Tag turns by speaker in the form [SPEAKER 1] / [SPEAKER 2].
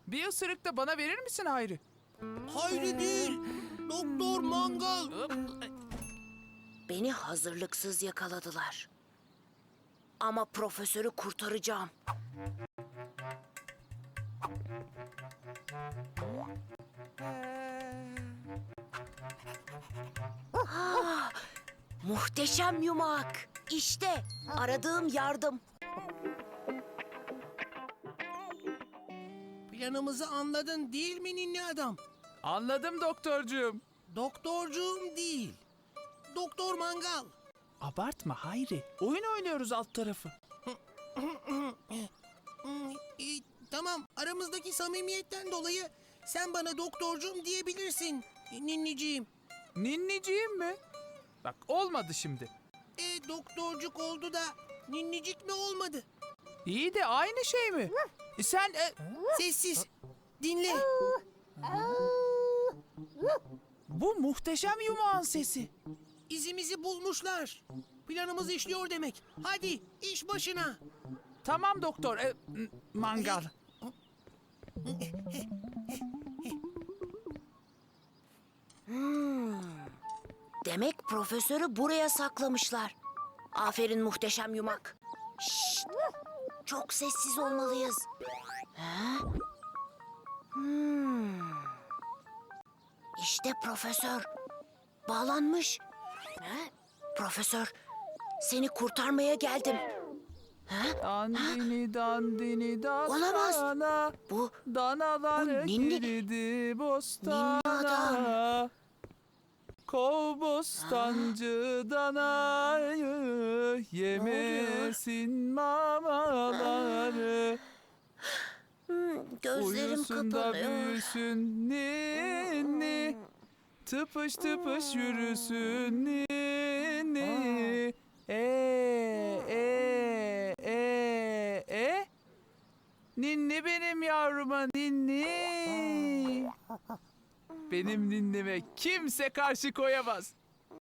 [SPEAKER 1] Bir ısırık da bana verir misin Hayri?
[SPEAKER 2] Hayri değil, Doktor Mangal.
[SPEAKER 3] Beni hazırlıksız yakaladılar. Ama profesörü kurtaracağım. Ah, muhteşem yumak. İşte aradığım yardım.
[SPEAKER 2] Planımızı anladın değil mi ninni adam?
[SPEAKER 1] Anladım doktorcuğum.
[SPEAKER 2] Doktorcuğum değil, Doktor Mangal.
[SPEAKER 1] Abartma Hayri. Oyun oynuyoruz alt tarafı.
[SPEAKER 2] Tamam, aramızdaki samimiyetten dolayı sen bana doktorcuğum diyebilirsin ninniciğim.
[SPEAKER 1] Ninniciğim mi? Bak olmadı şimdi.
[SPEAKER 2] Doktorcuk oldu da ninnicik mi olmadı?
[SPEAKER 1] İyi de aynı şey mi? Sen...
[SPEAKER 2] Sessiz, dinle.
[SPEAKER 1] Bu muhteşem yumağın sesi.
[SPEAKER 2] İzimizi bulmuşlar. Planımız işliyor demek. Hadi iş başına.
[SPEAKER 1] Tamam doktor. Mangal.
[SPEAKER 3] Demek profesörü buraya saklamışlar. Aferin muhteşem yumak. Şşt! Çok sessiz olmalıyız. Ha? İşte profesör. Bağlanmış. Ha? Profesör, seni kurtarmaya geldim. Ha?
[SPEAKER 1] Dandini dandini
[SPEAKER 3] Olamaz.
[SPEAKER 1] dastana.
[SPEAKER 3] Bu
[SPEAKER 1] Danalar
[SPEAKER 3] Bu ninni-
[SPEAKER 1] girdi bostana.
[SPEAKER 3] Ninni adam.
[SPEAKER 1] Kov bostancı danayı, yemesin mamaları.
[SPEAKER 3] Gözlerim
[SPEAKER 1] Uyusun da
[SPEAKER 3] kapanıyor.
[SPEAKER 1] büyüsün ninni, tıpış tıpış yürüsün ninni. Ninni benim yavruma ninni. Benim ninnime kimse karşı koyamaz.